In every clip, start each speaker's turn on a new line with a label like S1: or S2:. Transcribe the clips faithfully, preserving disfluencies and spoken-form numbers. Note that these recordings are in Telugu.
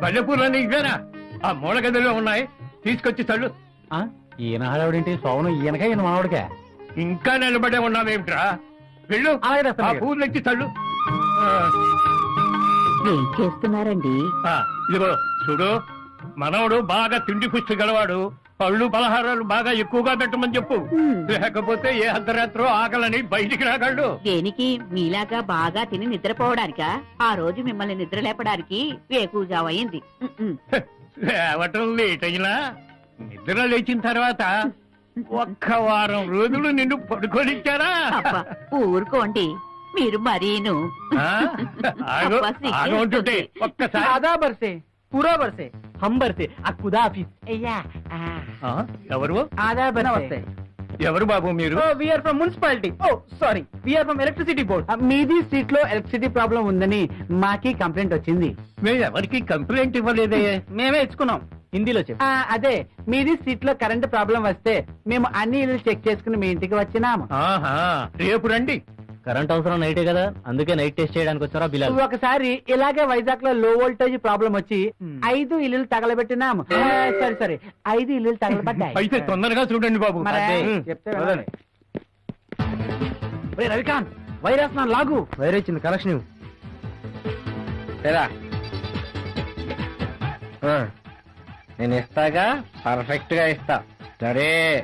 S1: మల్లెపూర్లని ఇవేనా? ఆ మూల గదిలో ఉన్నాయి, తీసుకొచ్చి తల్లు.
S2: ఈయన హడావిడేంటి? సోమను ఈయనక ఈయన మానవుడికా?
S1: ఇంకా నిలబడే ఉన్నావేమిట్రా? వెళ్ళు, ఆ పూలు ఎత్తి తల్లు.
S3: ఏం చేస్తున్నారండి?
S1: ఆ, ఇదిగో చూడు, మనవడు బాగా తిండి పుష్టి గలవాడు, పళ్ళు పలహారాలు బాగా ఎక్కువగా పెట్టమని చెప్పు. లేకపోతే ఏ అర్ధరాత్రో ఆకలని బయటికి రాగలడు.
S3: దేనికి? మీలాగా బాగా తిని నిద్రపోవడానికా? ఆ రోజు మిమ్మల్ని నిద్ర లేపడానికి వేకూజావయింది.
S1: లేవటం లేట్ అయినా నిద్ర లేచిన తర్వాత ఒక్క వారం రోజులు నిన్ను పడుకోనిచ్చారా?
S3: ఊరుకోండి మీరు మరీను.
S1: ఆగుంటుంటే ఒక్కసారి
S2: ఆదా బర్సే, పూరా బర్సే, హం బర్సే, ఆ ఖుదా హాఫిజ్. అయ్యా
S1: ఎవరు?
S2: ఆదా బర్సే.
S1: ఎవరు బాబు మీరు?
S2: We're from municipality. Oh sorry, we're from electricity board. మీది స్ట్రీట్ లో ఎలక్ట్రిసిటీ ప్రాబ్లం ఉందని మాకి కంప్లైంట్ వచ్చింది.
S1: మేము ఎవరికి కంప్లైంట్ ఇవ్వలేదే.
S2: మేమే ఇచ్చుకున్నాం. హిందీలో చెప్పు. అదే, మీది స్ట్రీట్ లో కరెంట్ ప్రాబ్లం వస్తే మేము అన్ని ఇల్లు చెక్ చేసుకుని మీ ఇంటికి వచ్చినాము.
S1: రేపు రండి.
S2: కరెంట్ అవసరం నైటే కదా, అందుకే నైట్ టెస్ట్ చేయడానికి వచ్చారా బిలాల్? ఒకసారి ఇలాగే వైజాగ్ లో లో వోల్టేజ్ ప్రాబ్లం వచ్చి ఐదు ఇల్లు తగలబెట్టినాము. సరే సరే, ఐదు ఇల్లు తగలబడ్డాయి.
S1: అయితే తొందరగా చూడండి బాబు.
S2: చెప్తే రవికాంత్, వైరస్ నా లాగు. వైర్ ఇచ్చింది, కలెక్షన్ నేను ఇస్తాగా, పర్ఫెక్ట్ గా ఇస్తా. సరే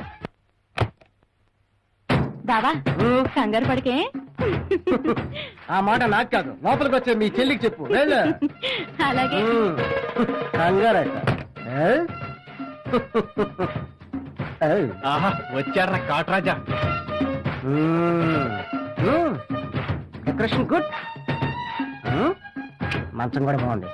S3: బావా, కంగారు పడికే.
S2: ఆ మాట నాకు కాదు, లోపలికి వచ్చే మీ చెల్లికి చెప్పు.
S3: అలాగే.
S2: కంగారట. ఆహా, వచ్చారా కాట్రాజా. డెకరేషన్ గుడ్, మంచం కూడా బాగుంది.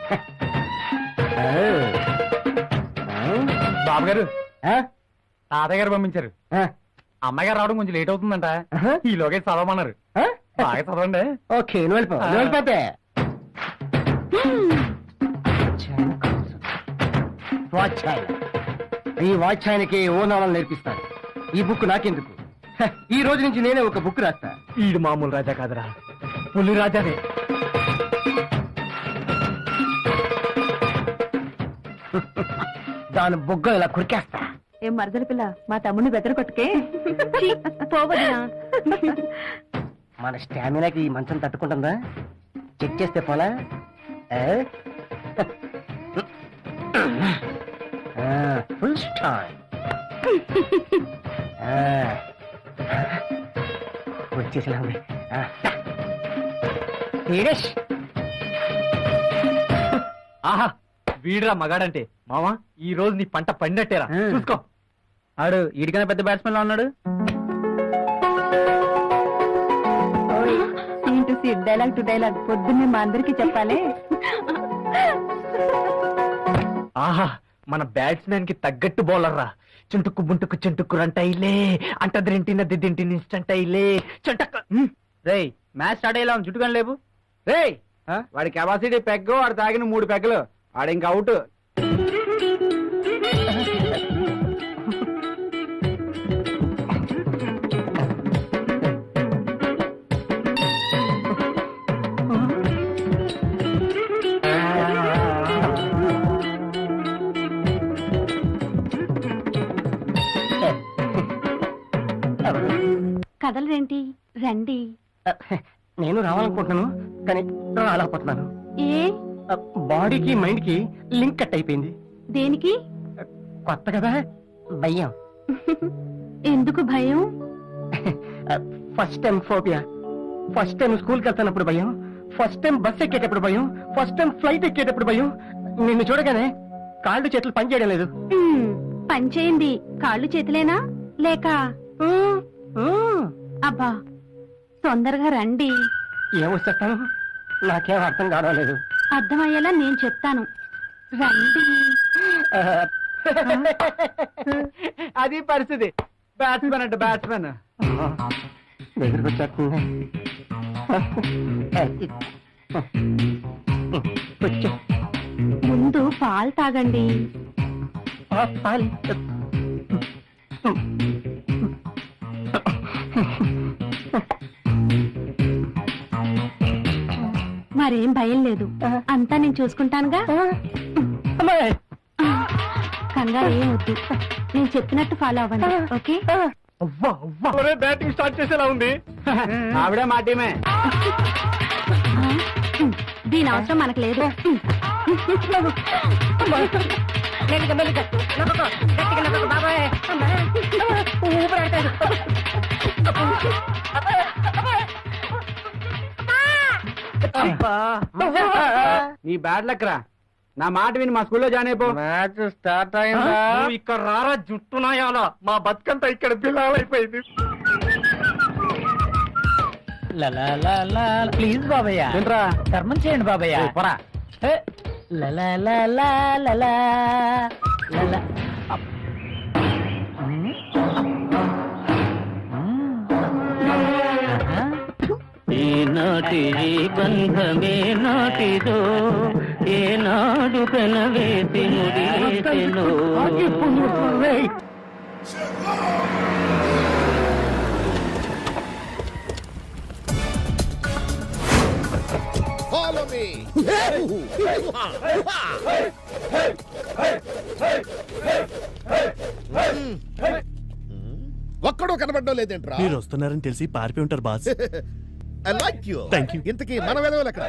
S2: బాబు గారు, తాతయ్య గారు పంపించారు. అమ్మాయి గారు రావడం కొంచెం లేట్ అవుతుందంట. ఈలోగా చదవమన్నారు. బాగా చదవండి. ఓకే, నువ్వు వెళ్ళిపో. వెళ్ళిపోతే ఈ వాచ్ ఆయనకి ఓనాలను నేర్పిస్తాను. ఈ బుక్ నాకెందుకు? ఈ రోజు నుంచి నేనే ఒక బుక్ రాస్తా. ఈడు మామూలు రాజా కాదురా, పులి రాజానే. దాని బుగ్గ ఇలా కురికేస్తా.
S3: ఏం మరదల పిల్ల, మా తమ్ముడిని బెదర కొట్టుకే. పోవద్దా?
S2: మన స్టామినాకి ఈ మంచం తట్టుకుంటుందా? చెక్ చేస్తే పోలా. ఫుల్ స్టార్ వచ్చేసినా ఉంది. ఆహా, వీడురా మగాడంటే. మావా, ఈ రోజు నీ పంట పండినట్టేరా. చూసుకో. ఆడు ఈడికైనా పెద్ద బ్యాట్స్మెన్ లో ఉన్నాడు.
S3: Scene to scene, dialogue to dialogue పొద్దున్నే మా అందరికి చెప్పాలి.
S2: ఆహా, మన బ్యాట్స్మెన్ కి తగ్గట్టు బౌలర్ రా. చుంటుక్కు బుంటుక్కు చుంటుక్కు రంటైలే, అంటదింటిన దిద్దింటిని ఇన్స్టంటైలే చుంటక్క. రేయ్, మ్యాచ్ స్టార్ట్ అయ్యేలా చుట్టుకొని లేవు. రేయ్, వాడి కెపాసిటీ పెగ్గు, వాడు తాగిన మూడు పెగ్గలు, వాడు ఇంక అవుట్.
S3: కదలరేంటి? రండి.
S2: నేను రావాలనుకుంటున్నాను, కానీ రాలేకపోతున్నాను.
S3: ఏ?
S2: బాడీకి మైండ్ కి లింక్ కట్ అయిపోయింది.
S3: దేనికి?
S2: కొత్త కదా, భయం.
S3: ఎందుకు భయం?
S2: First time phobia. First time స్కూల్కి వెళ్తున్నప్పుడు భయం, ఫస్ట్ టైం బస్ ఎక్కేటప్పుడు భయం, ఫస్ట్ టైం ఫ్లైట్ ఎక్కేటప్పుడు భయం. నిన్ను చూడగానే కాళ్ళు చేతులు పనిచేయడం లేదు.
S3: పని చేయండి. కాళ్ళు చేతులేనా లేక? అబ్బా, తొందరగా రండి.
S2: ఏమొచ్చేస్తాను, నాకేం అర్థం కావలేదు.
S3: అర్థమయ్యేలా నేను చెప్తాను, రండి.
S2: అది పరిస్థితి. బ్యాట్స్మెన్ అంటే బ్యాట్స్మెన్ దగ్గరికి వచ్చేస్తుంది.
S3: ముందు పాలు తాగండి.
S2: పాలు
S3: మరేం భయం లేదు, అంతా నేను చూసుకుంటానుగా.
S4: కంగారు ఏం వద్దు, నేను చెప్పినట్టు ఫాలో అవ్వండి. ఓకే?
S2: అవ్వా అవ్వా
S1: బ్యాటింగ్ స్టార్ట్ చేసేలా ఉంది.
S2: ఆవిడే మా టీమే.
S4: దీని అవసరం మనకు లేదు.
S2: నీ బ్యాడ్ లక్ రా. నా మాట విని మా స్కూల్లో జాయిన్ అయిపో.
S1: మ్యాచ్ స్టార్ట్ అయిందా?
S2: నువ్వు ఇక్కడ రారా జుట్టునాయాల.
S1: మా బతుకంతా ఇక్కడ పిల్లలైపోయింది.
S2: ప్లీజ్ బాబయ్య
S1: ఏంట్రా?
S2: ధర్మం చేయండి బాబయ్య.
S1: పోరా.
S5: ఈనాటి బంధమే నాటిదో ఏనాడు కనవేసి ముడివేసెనో.
S6: Follow me. ఒక్కడో కనబడడం లేదేంట్రా?
S7: మీరు వస్తున్నారని తెలిసి పారిపోయి ఉంటారు boss.
S6: I like you.
S7: Thank you.
S6: ఇంతకీ మన వెదవులు ఎక్కడ?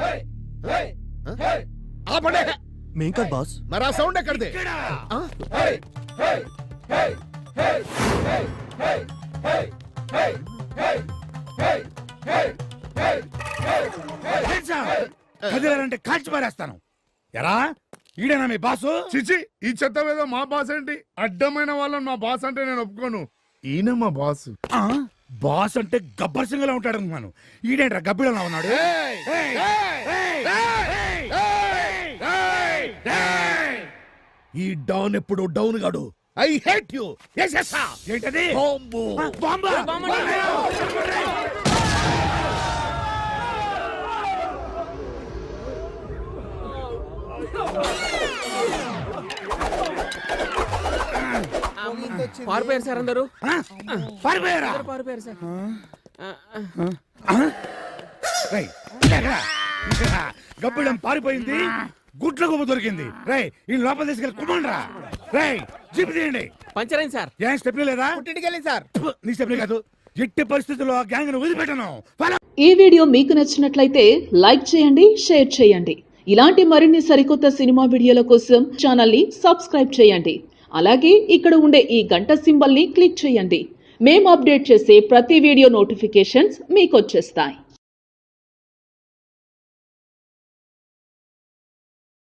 S6: ఆపండి.
S7: మేం కాదు బాస్.
S6: మరి ఆ సౌండ్ ఎక్కడిది? ఆ?
S8: కదిలారంటే కాల్చి పారేస్తాను. ఎరా ఈడేనా మీ బాసు?
S9: చిచి, ఈ చెత్త ఏదో మా బాస్ ఏంటి? అడ్డమైన వాళ్ళని మా బాస్ అంటే నేను ఒప్పుకోను. ఈయన మా బాస్.
S8: ఆ? బాస్ అంటే గబ్బర్ సింగ్ లా ఉంటాడు అనుకున్నాను. ఈడేంట్రా గబ్బిడలా ఉన్నాడు?
S6: ఏయ్!
S8: ఏయ్!
S6: ఏయ్!
S8: ఏయ్!
S6: ఏయ్! ఏయ్! ఈ డౌన్ ఎప్పుడు డౌన్ గాడు. I hate you.
S8: ఏసేస్తా. ఏంటది?
S6: బాంబు.
S8: ఆ, బాంబా?
S10: పారిపోయారు సార్ అందరూ.
S8: ఆ? పారిపోయారా?
S10: పారిపోయారు సార్.
S8: రేయ్, లేరా. గబ్బిడం పారిపోయింది, గుడ్ల గుమ్మ దొరికింది. రై ఈ లోపల తీసుకెళ్ళి కుమ్మండ్రా. రై జీప్ తీయండి.
S10: పంచర్ అయింది సార్.
S8: ఏం స్టెప్ లేదా?
S6: సార్
S8: ఫు, నీ స్టెప్ కాదు. ఎట్టి పరిస్థితుల్లో ఆ గ్యాంగ్ ను వదిలిపెట్టను.
S11: ఈ వీడియో మీకు నచ్చినట్లయితే లైక్ చేయండి, షేర్ చేయండి. ఇలాంటి మరిన్ని సరికొత్త సినిమా వీడియోల కోసం ఛానల్ ని సబ్స్క్రైబ్ చేయండి. అలాగే ఇక్కడ ఉండే ఈ గంట సింబల్ ని క్లిక్ చేయండి. మేము అప్డేట్ చేసే ప్రతి వీడియో నోటిఫికేషన్స్ మీకు వచ్చేస్తాయి.